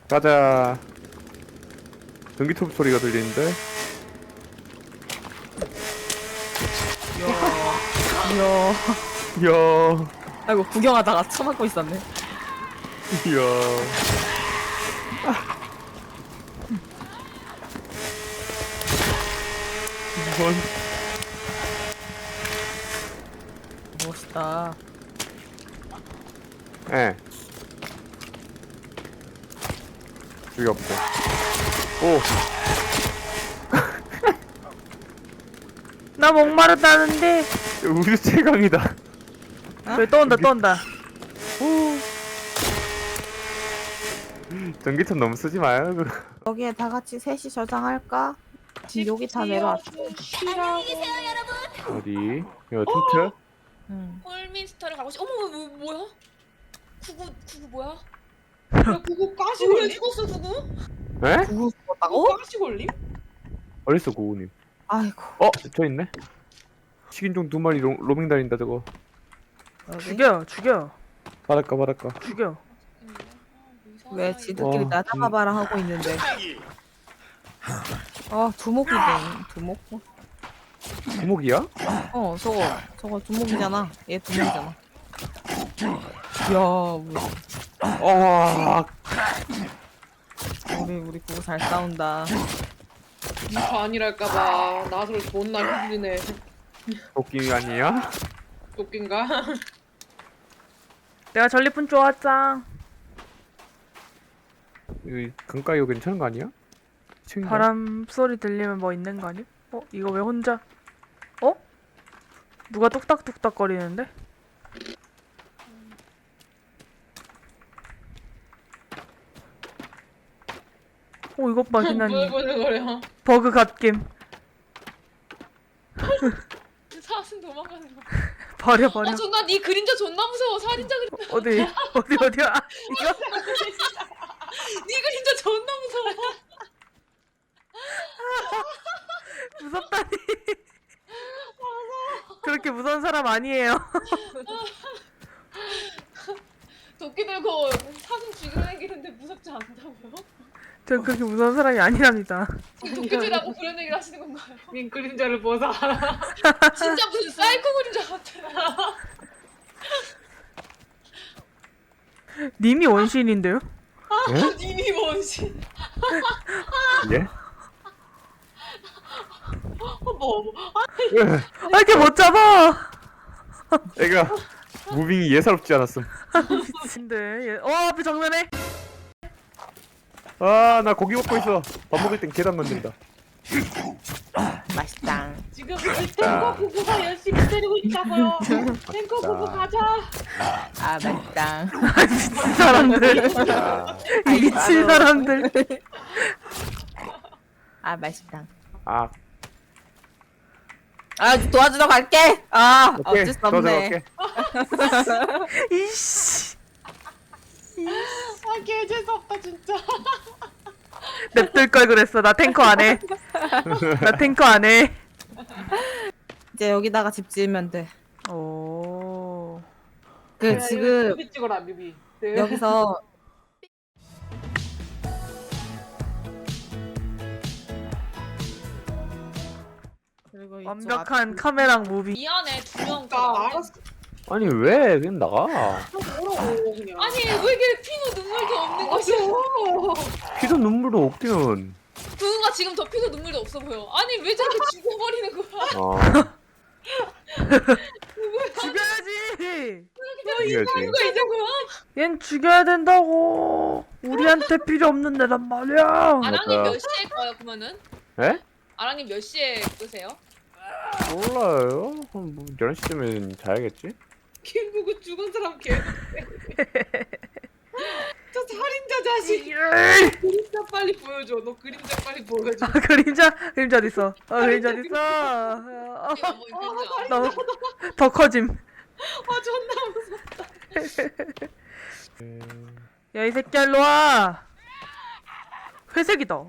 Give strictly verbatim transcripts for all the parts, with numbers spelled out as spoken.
가자. 전기톱 소리가 들리는데. 이야. 이야. 아이고 구경하다가 쳐맞고 있었네. 이야. 이건 멋있다. 예. 저기 없고. 오. 나 목마르다는데. 우주 최강이다. 왜 또 온다 또 온다. 전기톱 너무 쓰지 마요. 그거. 여기에 다 같이 셋이 저장할까? 지금 여기 다 내려왔어. 어디? 이거 텐트? 응. 홀민스터를 가고 싶. 어머 뭐, 뭐야? 구구 구구 뭐야? 야 그거 가시 왜 걸림? 죽었어 구구? 에? 누구 그거 죽었다고? 가시 걸림? 어딨어 고우님? 아이고. 어? 저 있네? 식인종 두 마리 로, 로밍 다닌다 저거. 여기? 죽여 죽여 바닷가 바닷가. 죽여. 왜 지들끼리 와, 나 잡아봐라 하고 있는데. 아 두목이네. 두목? 구목이야? 어 저거 저거 두목이잖아. 얘 두목이잖아. 이야 뭐, 어. 우리 우리 그거 잘 싸운다. 이거 아니랄까봐 나서를 존나 힘드네. 도끼 아니야? 웃긴가? 내가 전리품 좋았짱. 여기 강가 이거 괜찮은 거 아니야? 친구. 바람 소리 들리면 뭐 있는 거 아니? 어 이거 왜 혼자? 어? 누가 뚝딱뚝딱 거리는데? 오 이것 봐 뭘 희나님. 보는 거야? 버그 갓김. 사슴 도망가는 거. 버려 버려. 아 존나 네 그림자 존나 무서워. 살인자 그림. 어디 어디 어디야? 아, 이거? 네 그림자 존나 무서워. 무섭다니. 그렇게 무서운 사람 아니에요. 도끼 들고 사슴 죽이려 다니는데 무섭지 않다고요? 저 그렇게 무서운 사람이 아니랍니다. 도끼질하고 그런 얘기를 하시는 건가요? 민 그림자를 보자. 진짜 무슨 사이코 그림자 같아. 님이 원시인인데요? 님이 뭔지. 예? 뭐 아 이렇게 못 잡아. 애가 무빙이 예사롭지 않았음. 미친데. 얘- 어 앞에 정면에. 아 나 고기 먹고 있어. 밥 먹을 땐 계단 건든다. 맛있다. 지금 탱커 부부가 열심히 때리고 있다고요. 탱커 부부 가자. 아 맛있다. 미친 사람들. 이 미친 사람들. 아 맛있다. 아 아 도와주러 갈게. 아 오케이. 어쩔 수 더 없네. 들어갈게. 이씨. 아 개재수 없다 진짜. 냅둘 걸 그랬어. 나 탱커 안 해. 나 탱커 안 해. 이제 여기다가 집 지으면 돼. 오. 그 지금 뮤비 찍어라 뮤비. 네. 여기서 그리고 이쪽 완벽한 카메랑 무비. 미안해 두명 나 알았어. 아니 왜 그냥 나가. 뭐라고 그냥. 아니 왜 이렇게 피도 눈물도 없는 것이야? 피도 눈물도 없기는. 두가 지금 더 피도 눈물도 없어 보여. 아니 왜 저렇게 죽어버리는 거야? 아 죽여야지. 이거지. 누가 이제 뭐야? 얜 죽여야 된다고. 우리한테 필요 없는 데란 말이야. 아랑님 맞아. 몇 시에 꺼요 그러면은? 에? 아랑님 몇 시에 끄세요? 몰라요. 한 뭐 열한 시쯤엔 자야겠지? 김부구 죽은 사람 계속. 저 살인자 자식. 에이! 그림자 빨리 보여줘. 너 그림자 빨리 보여줘. 아, 그림자 그림자 어디 있어? 아 그림자 어디 있어? 어, 이거 뭐 그림자. 너무 더 커짐. 아 존나 무서워. 야 이 새끼야 일로 와. 회색이다.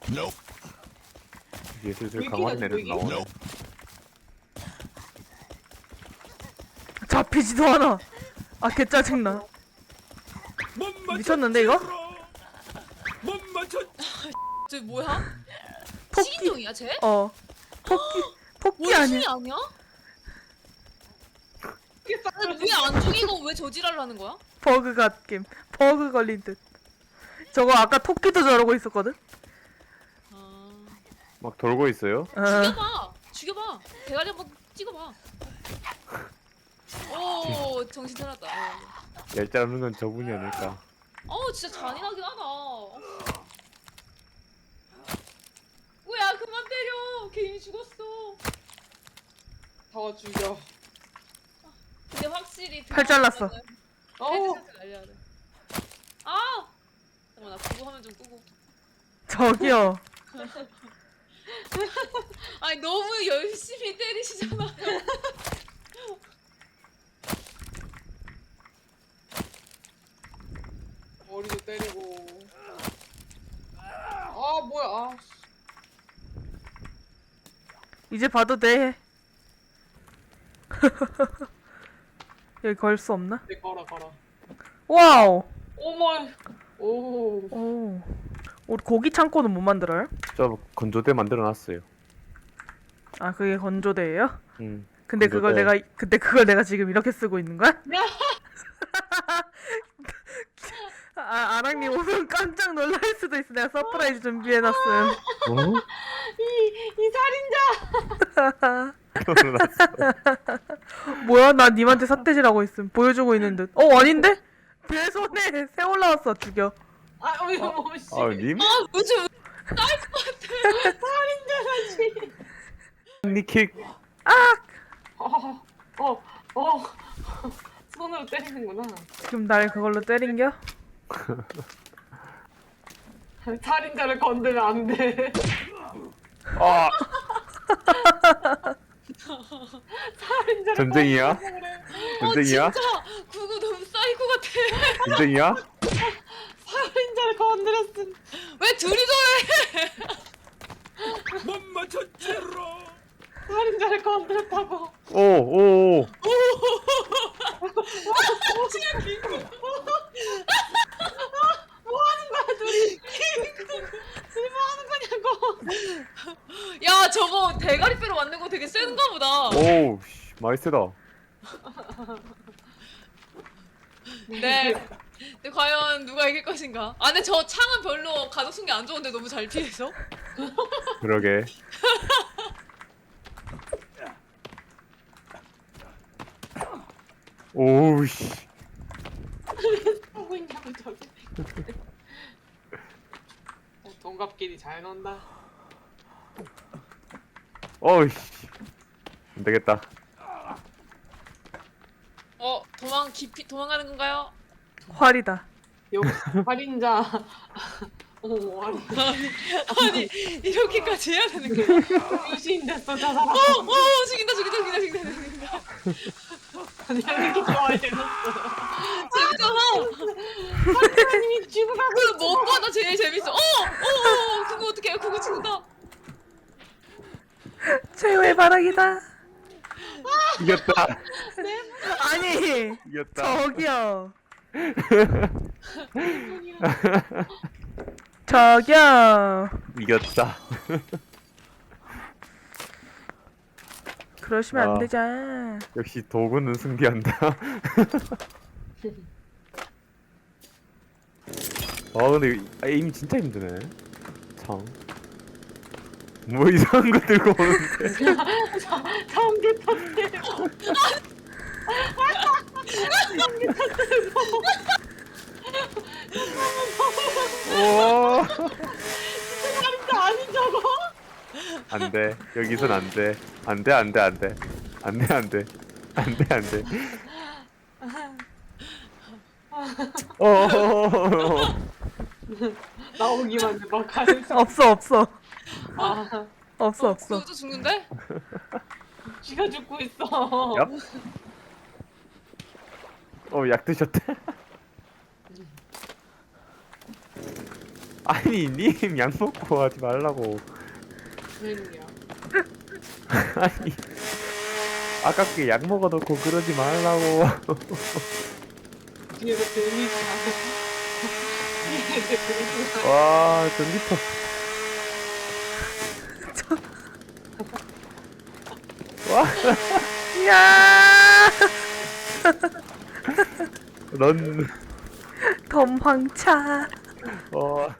이제 슬슬 위기다, 강화된 애들 위기. 나오네. 잡히지도 않아. 아 개 짜증나. 미쳤는데 이거? 저 뭐야? 토끼. 식인종이야 쟤? 어. 토끼. 토끼 원숭이 아니야? 아니야? 왜안 죽이고 왜 저지랄을 하는 거야? 버그 갓겜. 버그 걸린 듯. 저거 아까 토끼도 저러고 있었거든? 아... 막 돌고 있어요? 어. 죽여봐. 죽여봐. 대가리 한번 찍어봐. 오 정신 차렸다. 얄짤 없는 건 저분이 아닐까. 어 진짜 잔인하긴 하다. 뭐야 그만 때려. 걔 이미 죽었어. 더 죽여. 근데 확실히 팔 잘랐어. 어. 헤드셋을 날려야 돼. 아! 잠깐만 나 그거 화면 좀 끄고. 저기요. 아니 너무 열심히 때리시잖아요. 머리도 때리고. 아 뭐야? 아. 이제 봐도 돼. 여기 걸 수 없나? 네 걸어 걸어. 와우. 오머. 오. 오. 우리 고기 창고는 못 만들어요? 저 건조대 만들어놨어요. 아 그게 건조대예요? 음. 근데 그걸 건조대. 내가 근데 그걸 내가 지금 이렇게 쓰고 있는 거야? 아 아랑님 오면 깜짝 놀랄 수도 있어. 내가 서프라이즈 준비해놨음. 어? 이 살인자. 뭐야? 나 님한테 삿대질하고 있음. 보여주고 있는 듯. 어 아닌데? 배 손에 새 올라왔어. 죽여. 아 어머 어머 씨. 아 님? 아 요즘 살인자라지. 니킥. 어. 어. 어. 손으로 때리는구나. 지금 날 그걸로 때린겨? 살인자를 건드면 안 돼. 아 살인자를 전쟁이야? 건드면 그래. 전쟁이야? 어, 진짜 그거 너무 사이코 같아. 전쟁이야? 살인자를 건드렸음. 왜 둘이 저래? 못 맞췄지로. 살인자를 건드렸다고. 오오오. 뭐 하는 거야 둘이? 둘이 뭐 하는 거냐고. 야 저거 대가리 뼈로 만든 거 되게 센가 보다. 오 씨, 많이 세다. 네. 근데 과연 누가 이길 것인가? 아 근데 저 창은 별로 가독성이 안 좋은데 너무 잘 피해서. 그러게. 오우 씨. 하고 있냐고 저기. 어, 동갑끼리 잘 논다. 어우 씨. 안 되겠다. 어 도망 깊이 도망가는 건가요? 활이다. 역시 살인자. 오 아니 아니 이렇게까지 해야 되는 거야? 유시인 됐어 저 사람. 어, 어 죽인다 죽인다 죽인다 죽인다 죽인다. 아니 이렇게 좋아해 줬어. 재밌잖아. 하나님이 죽어가고 그 무엇보다 제일 재밌어. 어, 어, 어 그거 어떻게 해? 그거 죽는다. 최후의 바닥이다. 이겼다. 아니 이겼다. 저기요. 저기요. 이겼다. 그러시면 안 아. 되잖아. 역시 도구는 승리한다. 아 근데 이- 에임 진짜 힘드네. 참. 뭐 이상한 거 들고 오는데. 참게 탔대. 오. 살인자 아닌 저거? 안돼. 여기선 안돼. 안돼 안돼 안돼. 안돼 안돼. 안돼 안돼. 어. 나오기만 해봐 가면서. 없어 없어 아 없어 없어. 그것도 죽는데? 쥐가 죽고 있어. 얍. 어, 약 드셨대? 아니, 님, 약 먹고 하지 말라고. 웬일이야? 아니, 아깝게 약 먹어놓고 그러지 말라고. 뒤에서 들리지 않아. 와 전기톱. 와 야 런. 덤황차. 어.